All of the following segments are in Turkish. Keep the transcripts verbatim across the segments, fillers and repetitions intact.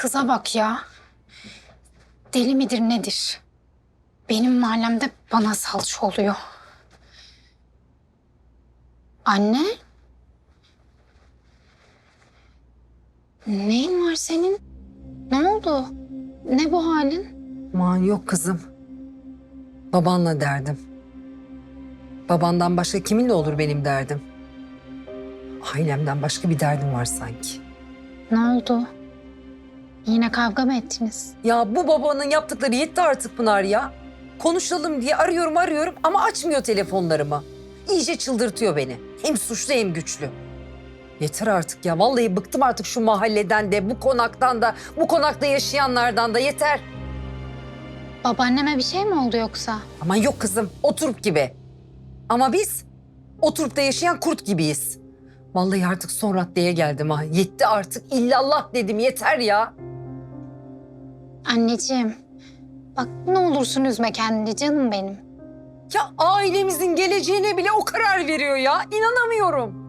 Kıza bak ya. Deli midir nedir? Benim mahallemde bana salça oluyor. Anne? Neyin var senin? Ne oldu? Ne bu halin? Aman yok kızım. Babanla derdim. Babandan başka kiminle olur benim derdim? Ailemden başka bir derdim var sanki. Ne oldu? Yine kavga mı ettiniz? Ya bu babanın yaptıkları yetti artık Pınar ya. Konuşalım diye arıyorum arıyorum ama açmıyor telefonlarımı. İyice çıldırtıyor beni. Hem suçlu hem güçlü. Yeter artık ya. Vallahi bıktım artık şu mahalleden de, bu konaktan da, bu konakta yaşayanlardan da yeter. Babaanneme bir şey mi oldu yoksa? Aman yok kızım, oturup gibi. Ama biz oturup da yaşayan kurt gibiyiz. Vallahi artık son raddeye geldim ha. Yetti artık, illallah dedim, yeter ya. Anneciğim, bak ne olursun üzme kendini canım benim. Ya ailemizin geleceğine bile o karar veriyor ya. İnanamıyorum.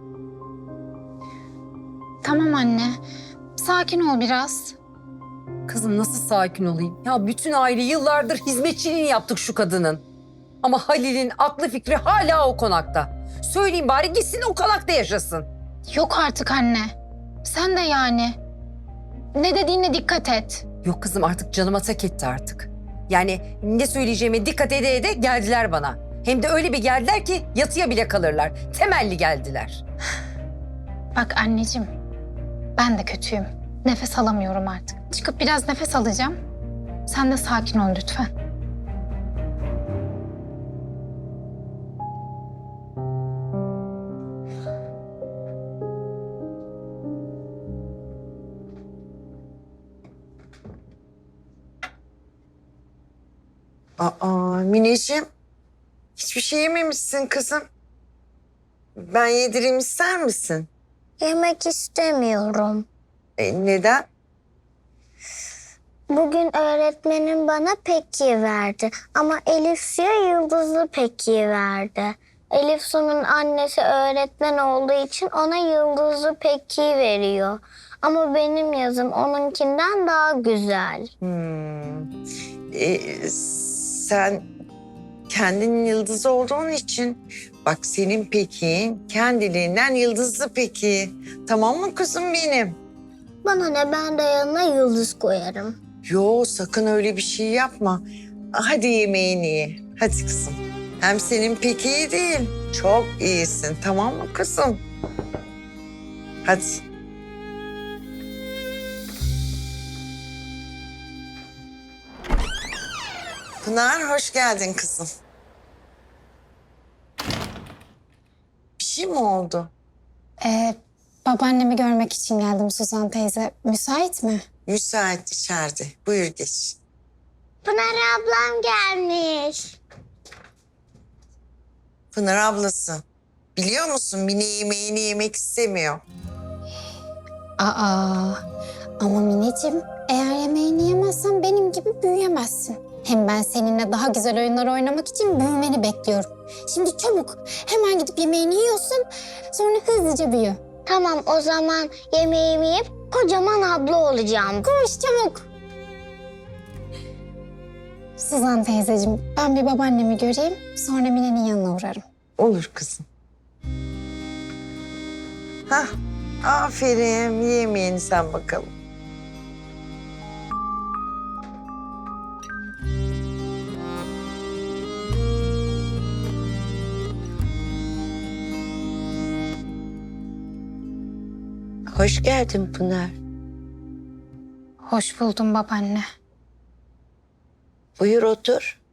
Tamam anne, sakin ol biraz. Kızım nasıl sakin olayım? Ya bütün aile yıllardır hizmetçiliğini yaptık şu kadının. Ama Halil'in aklı fikri hala o konakta. Söyleyeyim bari gitsin o konakta yaşasın. Yok artık anne. Sen de yani. Ne dediğine dikkat et. Yok kızım artık canıma tak etti artık. Yani ne söyleyeceğime dikkat ede ede geldiler bana. Hem de öyle bir geldiler ki yatıya bile kalırlar. Temelli geldiler. Bak anneciğim, ben de kötüyüm. Nefes alamıyorum artık. Çıkıp biraz nefes alacağım. Sen de sakin ol lütfen. Aa Mineciğim, hiçbir şey yememişsin kızım. Ben yedireyim ister misin? Yemek istemiyorum. E, neden? Bugün öğretmenim bana peki verdi. Ama Elif Su'ya yıldızlı peki verdi. Elif Su'nun annesi öğretmen olduğu için ona yıldızlı peki veriyor. Ama benim yazım onunkinden daha güzel. Hmm. E, sen kendinin yıldızı olduğun için bak senin pekin kendiliğinden yıldızlı peki. Tamam mı kızım benim? Bana ne, ben de yanına yıldız koyarım. Yo sakın öyle bir şey yapma. Hadi yemeğini ye. Hadi kızım. Hem senin pek iyi değil. Çok iyisin. Tamam mı kızım? Hadi. Pınar hoş geldin kızım. Bir şey mi oldu? Ee, babaannemi görmek için geldim Suzan teyze. Müsait mi? Müsait içeride. Buyur geç. Pınar ablam gelmiş. Pınar ablası. Biliyor musun Mine yemeğini yemek istemiyor. Aa, ama Mineciğim, eğer yemeğini yemezsen benim gibi büyüyemezsin. Hem ben seninle daha güzel oyunlar oynamak için büyümeni bekliyorum. Şimdi çabuk, hemen gidip yemeğini yiyorsun, sonra hızlıca büyü. Tamam, o zaman yemeğimi yiyip kocaman abla olacağım. Koş çabuk. Suzan teyzeciğim, ben bir babaannemi göreyim, sonra Mine'nin yanına uğrarım. Olur kızım. Hah, aferin. Ye yemeğini sen bakalım. Hoş geldin Pınar. Hoş buldum babaanne. Buyur otur.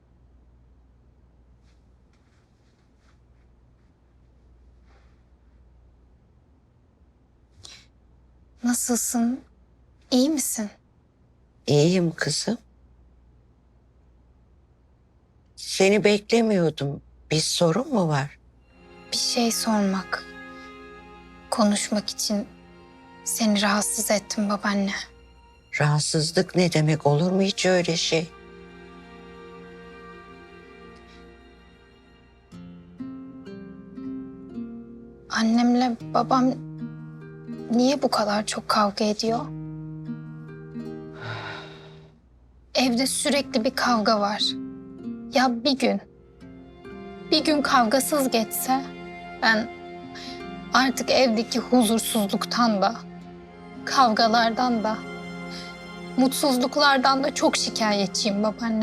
Nasılsın? İyi misin? İyiyim kızım. Seni beklemiyordum. Bir sorun mu var? Bir şey sormak, konuşmak için seni rahatsız ettim babaanne. Rahatsızlık ne demek, olur mu hiç öyle şey? Annemle babam niye bu kadar çok kavga ediyor? Evde sürekli bir kavga var. Ya bir gün, bir gün kavgasız geçse ben artık evdeki huzursuzluktan da, kavgalardan da, mutsuzluklardan da çok şikayetçiyim babaanne.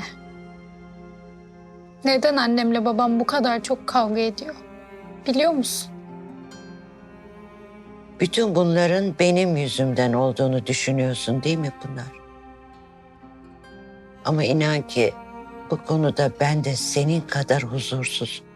Neden annemle babam bu kadar çok kavga ediyor? Biliyor musun? Bütün bunların benim yüzümden olduğunu düşünüyorsun değil mi Pınar? Ama inan ki bu konuda ben de senin kadar huzursuzum.